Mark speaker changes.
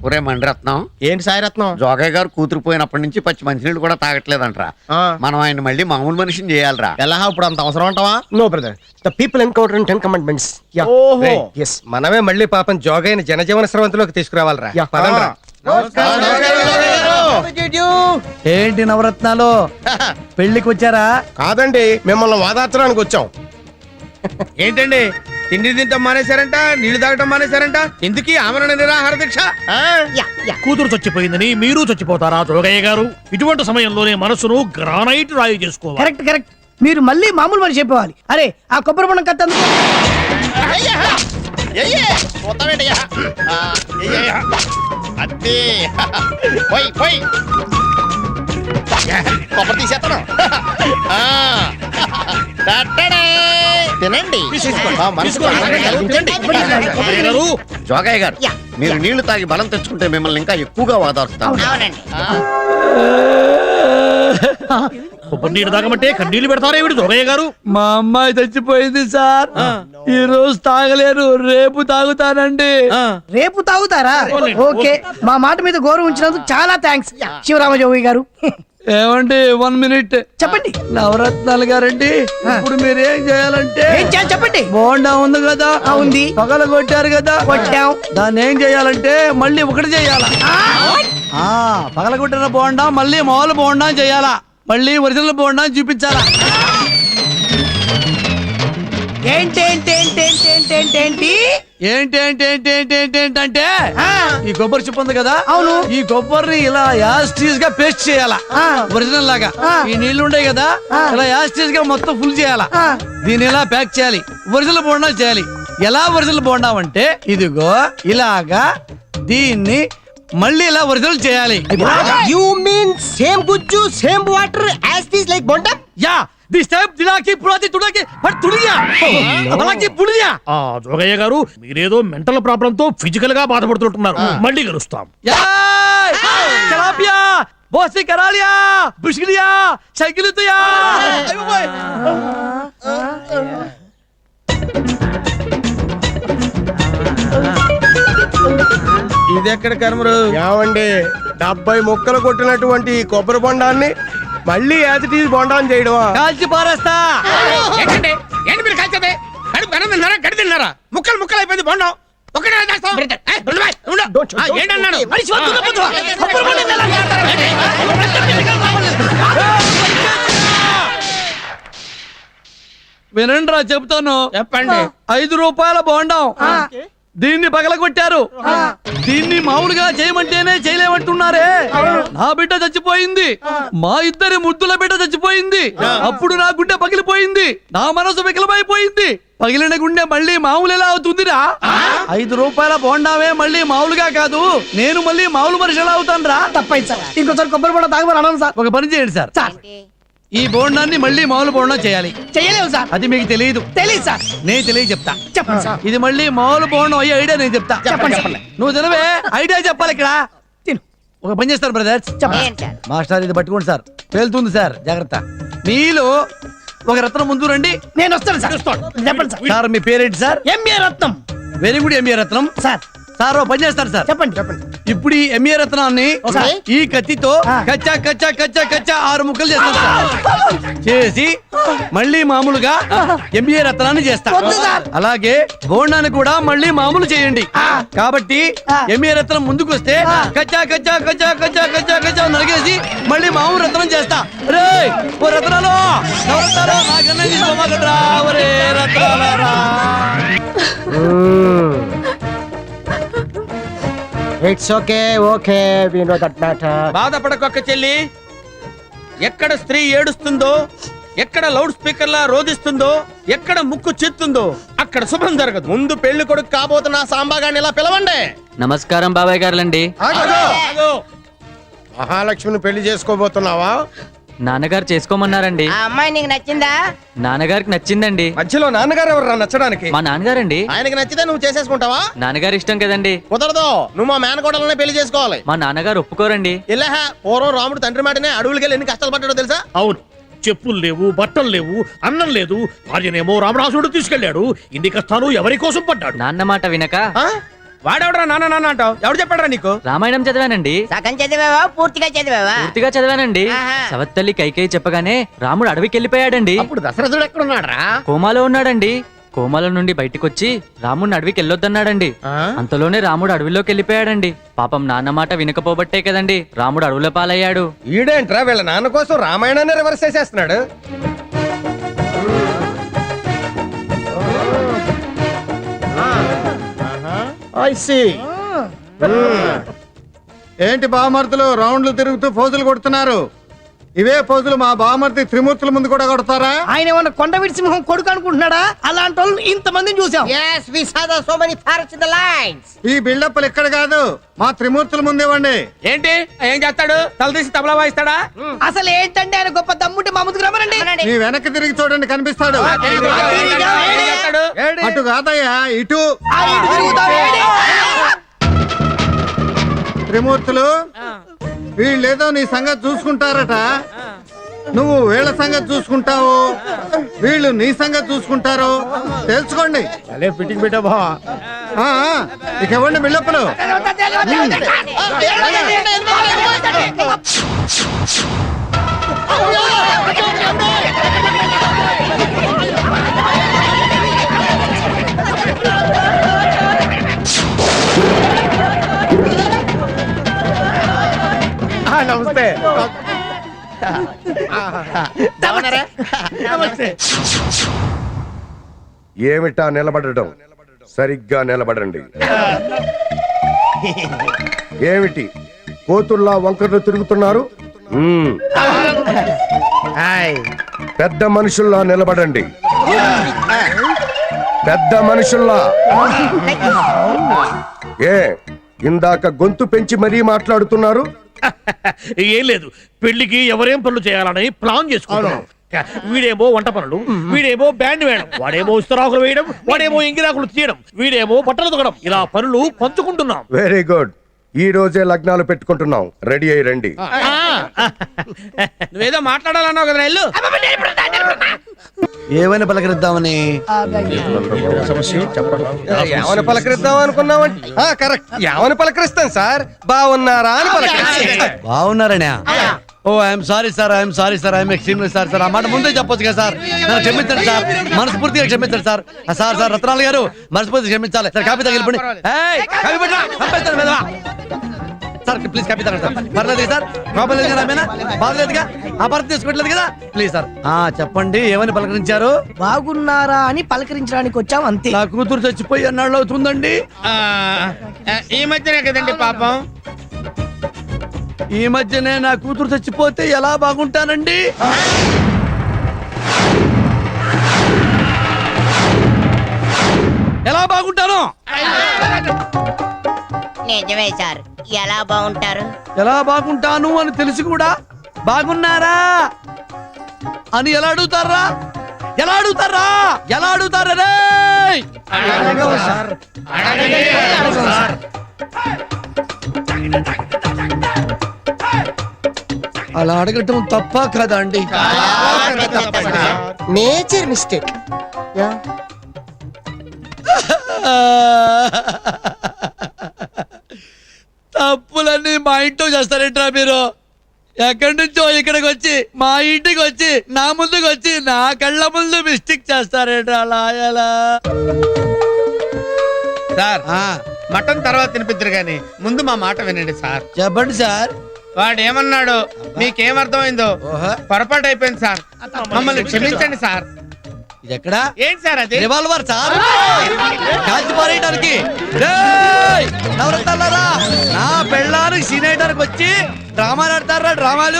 Speaker 1: ఒరే మండరత్నం,
Speaker 2: ఏంటి సాయిరత్నం?
Speaker 1: జోగయ్య గారు కూతురు పోయినప్పటి నుంచి పచ్చి మంచినీళ్ళు కూడా తాగట్లేదంట్రా. మనం ఆయన మళ్ళీ మామూలు మనిషిని చేయాలరా.
Speaker 2: ఎలా ఇప్పుడు అంత అవసరం అంటావా?
Speaker 3: No, brother. The people encounter in 10 commandments. Yeah.
Speaker 2: ఓహో.
Speaker 3: Yes.
Speaker 4: మనమే మళ్ళీ పాపం జోగైన జనజీవన స్రవంతిలోకి తీసుకురావాలరా.
Speaker 3: Yeah.
Speaker 4: పదండ్రా.
Speaker 5: ఏంటి నవరత్నాలు పెళ్లికి వచ్చారా?
Speaker 3: కాదండి, మిమ్మల్ని వాదార్చడానికి వచ్చాం.
Speaker 2: ఏంటండి తిండి తింటాం మానేశారంట, నీళ్లు తాగటం మానేశారంట, ఎందుకు ఆమరణ నిరాహార దీక్ష?
Speaker 6: కూతురు చచ్చిపోయిందని మీరు చచ్చిపోతారా జోగయ్య గారు? ఇటువంటి సమయంలోనే మనసును గ్రానైట్ రాయి చేసుకోవాలి.
Speaker 5: Correct correct. మీరు మళ్ళీ మామూలు మనిషి చెప్పేవాలి. అరే ఆ కొబ్బరి బొండం కత్తి అందుకో.
Speaker 2: తినండి.
Speaker 6: జోగయ్య గారు,
Speaker 1: జోగయ్య గారు, మీరు నీళ్లు తాగి బలం తెచ్చుకుంటే మిమ్మల్ని ఇంకా ఎక్కువగా వాదారుస్తాం.
Speaker 6: కొబ్బరి నీళ్ళు తాగమంటే కన్నీళ్లు పెడతారేమిటి జోగయ్య గారు?
Speaker 5: మా అమ్మాయి చచ్చిపోయింది సార్. ఈ రోజు తాగలేరు, రేపు తాగుతానండి. రేపు తాగుతారా? ఓకే, మా మాట మీద గౌరవం ఉంచినందుకు చాలా థ్యాంక్స్ శివరామజోగి గారు. ఏమండి 1 minute చెప్పండి. నవరత్నాలు గారండి, ఇప్పుడు మీరు ఏం చేయాలంటే చెప్పండి. బోండా ఉంది కదా, ఉంది. పగల కొట్టారు కదా, కొట్టాం. దాన్ని ఏం చేయాలంటే మళ్ళీ ఒకటి చేయాలా? పగల కొట్టిన బోండా మళ్ళీ మామూలు బోండా చేయాలా? మళ్ళీ ఒరిజినల్ బోండా చూపించాలా? ఏంటంటే ఈ కొబ్బరి చిప్ప ఉంది కదా, అవును, ఈ కొబ్బరిని ఇలా యాస్టీస్ గా పేస్ట్ చేయాలా ఒరిజినల్ లాగా. ఈ నీళ్లు ఉండే కదా, ఇలా యాస్టీస్ గా మొత్తం ఫుల్ చేయాలా. దీన్ని ఇలా ప్యాక్ చేయాలి, ఒరిజినల్ బోండా చేయాలి. ఎలా ఒరిజినల్ బోండా అంటే ఇదిగో ఇలాగా దీన్ని మళ్ళీ ఇలా ఒరిజినల్ చేయాలి.
Speaker 3: You mean same gujju, same water as this like bonda?
Speaker 5: Yeah this type దిలాకి పురాతి తుడకి పట్ తుడియా అలాకి పుడియా.
Speaker 6: జోగయ్య గారు, మీరేదో మెంటల్ ప్రాబ్లం తో ఫిజికల్ గా బాధపడుతుంటున్నారు. మళ్ళీ కలుస్తాం.
Speaker 5: చలాపియా బోసి కరాలియా బుష్కిలియా సైకిలుతయా.
Speaker 2: ఇది ఎక్కడ కర్మరు?
Speaker 3: ఏమండి, 70 ముక్కలు కొట్టినటువంటి ఈ కొబ్బరి బొండాన్ని మళ్ళీ యాజ్ ఇట్ ఈజ్ బొండాన్ని చేయడమా?
Speaker 5: కాల్చి పారేస్తా.
Speaker 2: ఏంటండి ఏంటి మీరు కాల్చేది? కడుపు కన్నం తిన్నారా, గడి తిన్నారా? ముక్కలు ముక్కలు అయిపోయింది బొండం. ఒకటే చేస్తాం. ఏంటన్నాడు?
Speaker 5: వినండ్రా చెప్తాను.
Speaker 2: చెప్పండి.
Speaker 5: 5 రూపాయల బోండం, దీన్ని పగలగొట్టారు. దీన్ని మామూలుగా చేయమంటేనే చేయలేమంటున్నారే. నా బిడ్డ చచ్చిపోయింది, మా ఇద్దరి ముద్దుల బిడ్డ చచ్చిపోయింది. అప్పుడు నా గుండె పగిలిపోయింది, నా మనసు వికలమైపోయింది. పగిలిన గుండె మళ్ళీ మామూలు ఎలా అవుతుందిరా? 5 రూపాయల బోండామే మళ్ళీ మామూలుగా కాదు, నేను మళ్ళీ మామూలు మనిషి ఎలా అవుతాను రా? తప్పైంది సార్, ఇంకోసారి కొబ్బరి బోండా తాగమని అన్నాను సార్. ఒక పని చేయండి సార్, ఈ బోండాన్ని మళ్ళీ మామూలు బోండా చేయాలి. చేయలేవు సార్, అది మీకు తెలియదు. తెలియదు సార్, నేను తెలియ చెప్తా. చెప్పండి సార్. ఇది మళ్ళీ మామూలు బోండం అయ్యే ఐడియా నేను చెప్తా. చెప్పండి. నువ్వు తెలివే ఐడియా చెప్పాలి ఇక్కడ. తిను. ఒక పని చేస్తారు బ్రదర్స్. మాస్టర్ ఇది పట్టుకోండి సార్, పేలుతుంది సార్, జాగ్రత్త. మీలో ఒక రత్నం ముందు రండి, నేను వస్తాను సార్. చెప్పండి సార్. సార్ మీ పేరేంటి sir? MA Ratnam. Very good MA Ratnam. Sir sir పని చేస్తారు సార్. చెప్పండి. ఇప్పుడు ఈ ఎంఏ రత్నాన్ని ఈ కత్తితో కచ్చా కచ్చా కచ్చా కచ్చా 6 ముక్కలు చేస్తాను సార్. చేసి మళ్ళీ మామూలుగా ఎంఏ రత్నాన్ని చేస్తా. అలాగే బోండాన్ని కూడా మళ్ళీ మామూలు చేయండి. కాబట్టి ఎంఏ రత్నం ముందుకు వస్తే కచ్చా కచ్చా కచ్చా కచ్చా కచ్చా కచ్చా నరిగేసి మళ్ళీ మామూలు రత్నం చేస్తా. రే ఓ రత్నాలు నాకన్నా తీసుకోమాకట్రా, ఒరే రత్నాలరా.
Speaker 3: It's okay, we know that matter.
Speaker 2: బాధపడకొక్క చెల్లి. ఎక్కడ స్త్రీ ఏడుస్తుందో, ఎక్కడ లౌడ్ స్పీకర్ లా రోధిస్తుందో, ఎక్కడ ముక్కు చిత్తుందో అక్కడ శుభం జరగదు. ముందు పెళ్లి కొడుకు కాబోతున్న సాంబాగాన్ని ఇలా పిలవండి.
Speaker 7: నమస్కారం బాబాయ్ గారులండి.
Speaker 3: మహాలక్ష్మిని పెళ్లి చేసుకోబోతున్నావా?
Speaker 7: నాన్నగారు చేసుకోమన్నారండి.
Speaker 8: ఆ అమ్మాయి నీకు నచ్చిందా?
Speaker 7: నాన్నగారికి నచ్చిందండి.
Speaker 4: మధ్యలో నాన్నగారు ఎవరు నచ్చడానికి?
Speaker 7: మా నాన్నగారండి.
Speaker 2: ఆయనకి నచ్చితే నువ్వు చేసేసుకుంటావా?
Speaker 7: నాన్నగారు ఇష్టం కదండి.
Speaker 2: కుదరదు, నువ్వు మా మేనకోడలనే పెళ్లి చేసుకోవాలి.
Speaker 7: మా నాన్నగారు ఒప్పుకోరండి.
Speaker 2: ఇలా పూర్వం రాముడు తండ్రి మాటనే అడవులకెళ్ళి ఎన్ని కష్టాలు పడ్డాడో తెలుసా?
Speaker 6: అవును, చెప్పులు లేవు, బట్టలు లేవు, అన్నం లేదు. భార్యనేమో రామరాసుడు తీసుకెళ్లాడు. ఇన్ని కష్టాలు ఎవరి కోసం పడ్డాడు?
Speaker 7: నాన్న మాట వినక
Speaker 2: వాడెవడరా నాన్న నాన్న అంటావు? ఎవడు చెప్పాడరా నీకు?
Speaker 7: రామాయణం చదివానండి.
Speaker 8: సగం చదివావా పూర్తిగా చదివావా?
Speaker 7: పూర్తిగా చదివానండి.
Speaker 8: ఆహా.
Speaker 7: సవత్తల్లి కైకేయి చెప్పగానే రాముడు అడవికి వెళ్ళిపోయాడండి.
Speaker 1: అప్పుడు దశరథుడు ఎక్కడున్నాడు రా?
Speaker 7: కోమాలో ఉన్నాడండి. కోమాలో నుండి బయటికొచ్చి రాముడిని అడవికి వెళ్ళొద్దన్నాడండి. అంతలోనే రాముడు అడవిలోకి వెళ్ళిపోయాడండి. పాపం నాన్న మాట వినకపోబట్టే కదండి రాముడు అడవుల పాలయ్యాడు.
Speaker 4: ఈడేంట్రా వీళ్ళ నాన్న కోసం రామాయణాన్ని రివర్స్ చేసేస్తున్నాడు.
Speaker 1: ఏంటి బామర్తులు రౌండ్లు తిరుగుతూ ఫోజులు కొడుతున్నారు? ఇవే ఫోజులు మా బామర్తి త్రిమూర్తుల ముందు కూడా కొడతారా?
Speaker 3: ఆయన ఏమన్నా కొండ సింహం కొడుకు అనుకుంటున్నాడా? అలాంటి వాళ్ళు ఇంతమందిని చూసాం.
Speaker 8: Yes, we saw so many parrots in the lines.
Speaker 1: ఈ బిల్డప్లు ఇక్కడ కాదు, మా త్రిమూర్తుల ముందేవండి.
Speaker 2: ఏంటి ఏం చేస్తాడు? తల తీసి తబలా వాయిస్తాడా?
Speaker 3: అసలు ఏంటంటే ఆయన గొప్ప దమ్ముంటే మా ముందుకు రమ్మనండి.
Speaker 1: నీ వెనక్కి తిరిగి చూడండి, కనిపిస్తాడు.
Speaker 2: ఏం చేస్తాడు?
Speaker 1: అటు కాదయ్యా, ఇటు.
Speaker 3: ఆ ఇటు తిరుగుతావు, ఏడి?
Speaker 1: త్రిమూర్తులు వీళ్ళేదో నీ సంగతి చూసుకుంటారట. నువ్వు వీళ్ళ సంగతి చూసుకుంటావు, వీళ్ళు నీ సంగతి చూసుకుంటారు. తెలుసుకోండి.
Speaker 3: అలే ఫిట్టింగ్ పెట్టా బా.
Speaker 1: ఆ, ఇక ఇవ్వండి బిల్డప్లు.
Speaker 3: నమస్తే.
Speaker 9: ఏమిటా నిలబడటం? సరిగ్గా నిలబడండి. ఏమిటి కోతుల్లా వంకర్లు తిరుగుతున్నారు? పెద్ద మనుషుల్లా నిలబడండి. పెద్ద మనుషుల్లా. ఏ ఇందాక గొంతు పెంచి మరీ మాట్లాడుతున్నారు?
Speaker 6: ఏం లేదు, పెళ్లికి ఎవరేం పనులు చేయాలని ప్లాన్ చేసుకున్నాం. వీడేమో వంట పనులు, వీడేమో బ్యాండ్ వేయడం, వాడేమో ఇస్తరాకులు వేయడం, వాడేమో ఇంగిరాకులు తీయడం, వీడేమో బట్టలు తొగడం. ఇలా పనులు పంచుకుంటున్నాం.
Speaker 9: Very good. ఈ రోజే లగ్నాలు పెట్టుకుంటున్నాం. రెడీ అయ్యి రండి.
Speaker 2: నువ్వేదో మాట్లాడాలన్నావు కదా, ఇల్లు
Speaker 5: ఏమైనా పలకరిద్దామని
Speaker 4: ఏమని పలకరిద్దాం అనుకున్నామంటే కరెక్ట్. ఏమని పలకరిస్తాం సార్? బాగున్నారా అని పలకరిస్తాం.
Speaker 5: బాగున్నారనే. Oh I'm sorry sir, I'm sorry sir, I'm extremely sorry sir. ఆ మాట ముందే చెప్పొచ్చు కదా సార్. నన్ను క్షమించండి సార్, మనస్ఫూర్తిగా క్షమించండి సార్. సార్ సార్ రత్నాల గారు మనస్ఫూర్తిగా క్షమించాలి సార్. కాపీ తగిలిపోండి. కాపీ పెట్టరా, చంపేస్తాను మెదవా. సార్ ప్లీజ్ కాపీ తగ్గండి సార్. పర్లేదు సార్, ప్రాబ్లం లేదు కదా, ఆమెనా బాగలేదుగా, ఆ భర్త తీసుకోవట్లేదు కదా. Please sir. చెప్పండి, ఏమని పలకరించారు?
Speaker 3: బాగున్నారా అని పలకరించడానికి వచ్చాం అంతే.
Speaker 5: నా కూతురు చచ్చిపోయి అన్నాళ్ళు అవుతుందండి.
Speaker 2: ఈ మధ్యనే కదండి పాపం.
Speaker 5: ఈ మధ్యనే నా కూతురు చచ్చిపోతే ఎలా బాగుంటానండి? ఎలా బాగుంటాను?
Speaker 8: నిజమే సార్, ఎలా బాగుంటారు?
Speaker 5: ఎలా బాగుంటాను అని తెలిసి కూడా బాగున్నారా అని ఎలా అడుగుతారా? ఎలా అడుగుతారా? ఎలా అడుగుతారా రే? అలా అడగటం తప్ప కదా అండి?
Speaker 3: Nature mistake.
Speaker 5: తప్పులన్నీ మా ఇంట్లో చేస్తారేంట్రా మీరు? ఎక్కడి నుంచో ఇక్కడికి వచ్చి మా ఇంటికి వచ్చి నా ముందుకు వచ్చి నా కళ్ళ ముందు మిస్టేక్ చేస్తారేంట్రా? అలా ఎలా
Speaker 2: సార్ మటన్ తర్వాత తినిపిద్దరు గాని ముందు మా మాట వినండి సార్.
Speaker 5: చెప్పండి సార్.
Speaker 2: వాడు ఏమన్నాడు మీకేమర్థమైందో? పొరపాటు అయిపోయింది సార్, మమ్మల్ని క్షమించండి సార్.
Speaker 5: ఇది ఎక్కడా?
Speaker 2: ఏంటి సార్ అది?
Speaker 5: రివాల్వర్ సార్, కాల్చి పారేయడానికి. నవరత్నాలారా, నా పెళ్ళానికి సీన్ వేయడానికి వచ్చి డ్రామాలు ఆడతారా? డ్రామాలు